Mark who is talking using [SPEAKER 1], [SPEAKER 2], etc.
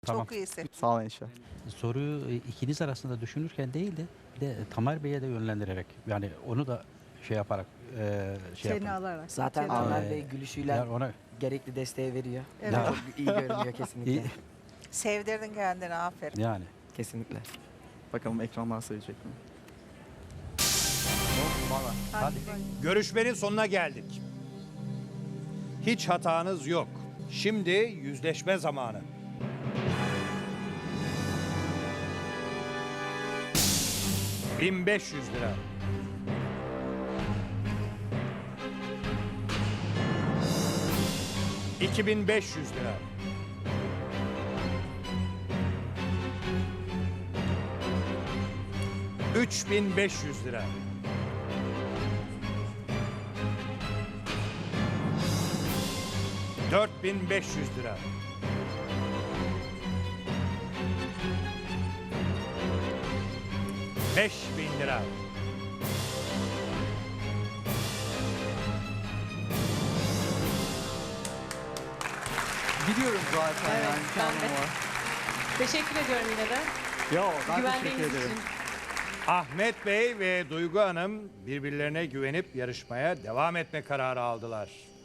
[SPEAKER 1] Tamam.
[SPEAKER 2] Çok iyisin.
[SPEAKER 3] Sağ olun inşallah.
[SPEAKER 1] Soruyu ikiniz arasında düşünürken değil de bir de Tamer Bey'e de yönlendirerek yani onu da şey yaparak şey
[SPEAKER 4] Seni
[SPEAKER 1] yapın.
[SPEAKER 4] alarak.
[SPEAKER 5] Zaten
[SPEAKER 4] Seni
[SPEAKER 5] Tamer
[SPEAKER 4] alarak.
[SPEAKER 5] Bey gülüşüyle
[SPEAKER 1] Yani ona
[SPEAKER 5] gerekli desteği veriyor.
[SPEAKER 4] Evet.
[SPEAKER 1] Ya.
[SPEAKER 5] Çok iyi görünüyor kesinlikle.
[SPEAKER 1] İyi.
[SPEAKER 2] Sevdirdin kendini, aferin.
[SPEAKER 1] yani
[SPEAKER 5] Kesinlikle.
[SPEAKER 3] Bakalım ekranlar söyleyecek mi?
[SPEAKER 1] hadi.
[SPEAKER 6] Görüşmenin sonuna geldik. Hiç hatanız yok. Şimdi yüzleşme zamanı. $1500. 2500 lira. 3500 lira. 4500 lira. 5000 lira.
[SPEAKER 3] Biliyorum zaten
[SPEAKER 7] Evet,
[SPEAKER 3] yani
[SPEAKER 7] ben
[SPEAKER 3] kendim
[SPEAKER 7] de.
[SPEAKER 3] var.
[SPEAKER 7] Teşekkür ediyorum yine de.
[SPEAKER 3] Yo ben
[SPEAKER 7] Güvendiğiniz
[SPEAKER 3] teşekkür ederim.
[SPEAKER 7] için.
[SPEAKER 6] Ahmet Bey ve Duygu Hanım birbirlerine güvenip yarışmaya devam etme kararı aldılar.